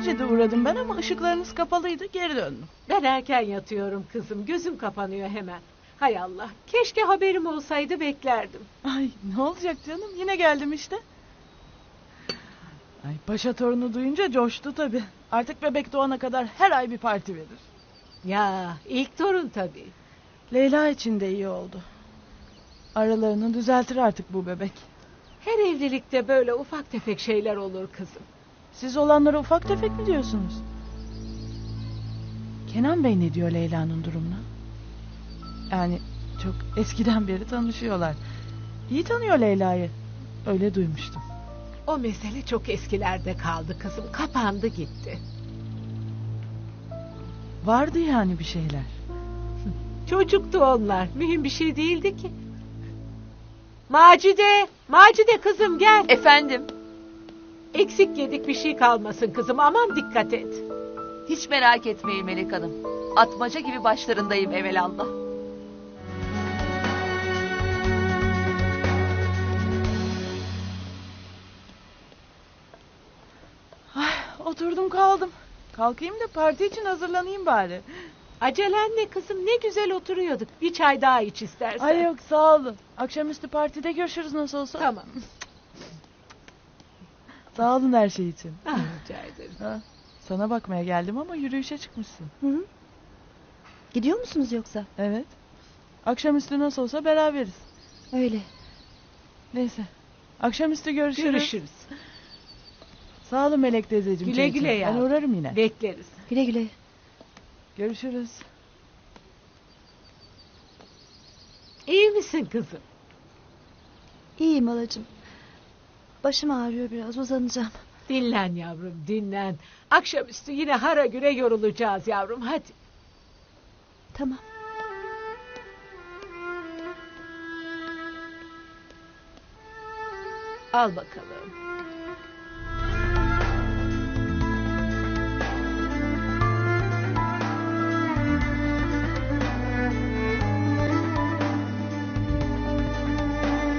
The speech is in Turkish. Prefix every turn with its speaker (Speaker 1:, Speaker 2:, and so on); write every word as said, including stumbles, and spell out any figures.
Speaker 1: Neticede uğradım ben ama ışıklarınız kapalıydı, geri döndüm.
Speaker 2: Ben erken yatıyorum kızım. Gözüm kapanıyor hemen. Hay Allah. Keşke haberim olsaydı beklerdim.
Speaker 1: Ay ne olacak canım, yine geldim işte. Ay paşa torunu duyunca coştu tabii. Artık bebek doğana kadar her ay bir parti verir.
Speaker 2: Ya ilk torun tabii.
Speaker 1: Leyla için de iyi oldu. Aralarını düzeltir artık bu bebek.
Speaker 2: Her evlilikte böyle ufak tefek şeyler olur kızım.
Speaker 1: Siz olanlara ufak tefek mi diyorsunuz? Kenan Bey ne diyor Leyla'nın durumuna? Yani çok eskiden beri tanışıyorlar. İyi tanıyor Leyla'yı. Öyle duymuştum.
Speaker 2: O mesele çok eskilerde kaldı kızım. Kapandı gitti.
Speaker 1: Vardı yani bir şeyler.
Speaker 2: Çocuktu onlar. Mühim bir şey değildi ki. Macide! Macide kızım gel.
Speaker 3: Efendim,
Speaker 2: Eksik yedik bir şey kalmasın kızım. Aman dikkat et.
Speaker 3: hiç merak etmeyin Melek Hanım. Atmaca gibi başlarındayım evelallah.
Speaker 1: Ay, oturdum kaldım. Kalkayım da parti için hazırlanayım bari.
Speaker 2: Acelen ne kızım? Ne güzel oturuyorduk. Bir çay daha iç istersen.
Speaker 1: Ay yok sağ olun. Akşamüstü partide görüşürüz nasıl olsa.
Speaker 2: Tamam.
Speaker 1: Sağ olun her şey için.
Speaker 2: Ah, rica ederim.
Speaker 1: Ha, sana bakmaya geldim ama yürüyüşe çıkmışsın.
Speaker 4: Hı hı. Gidiyor musunuz yoksa?
Speaker 1: Evet. Akşamüstü nasıl olsa beraberiz.
Speaker 4: Öyle.
Speaker 1: Neyse. Akşamüstü görüşürüz.
Speaker 2: Görüşürüz.
Speaker 1: Sağ olun Melek teyzeciğim.
Speaker 2: Güle
Speaker 1: çay için.
Speaker 2: güle
Speaker 1: Ben
Speaker 2: yavrum.
Speaker 1: uğrarım yine.
Speaker 2: Bekleriz.
Speaker 4: Güle güle.
Speaker 1: Görüşürüz.
Speaker 2: İyi misin kızım?
Speaker 4: İyiyim halacığım. Başım ağrıyor biraz, uzanacağım.
Speaker 2: Dinlen yavrum, dinlen. Akşamüstü yine hara güre yorulacağız yavrum. Hadi.
Speaker 4: Tamam.
Speaker 2: Al bakalım.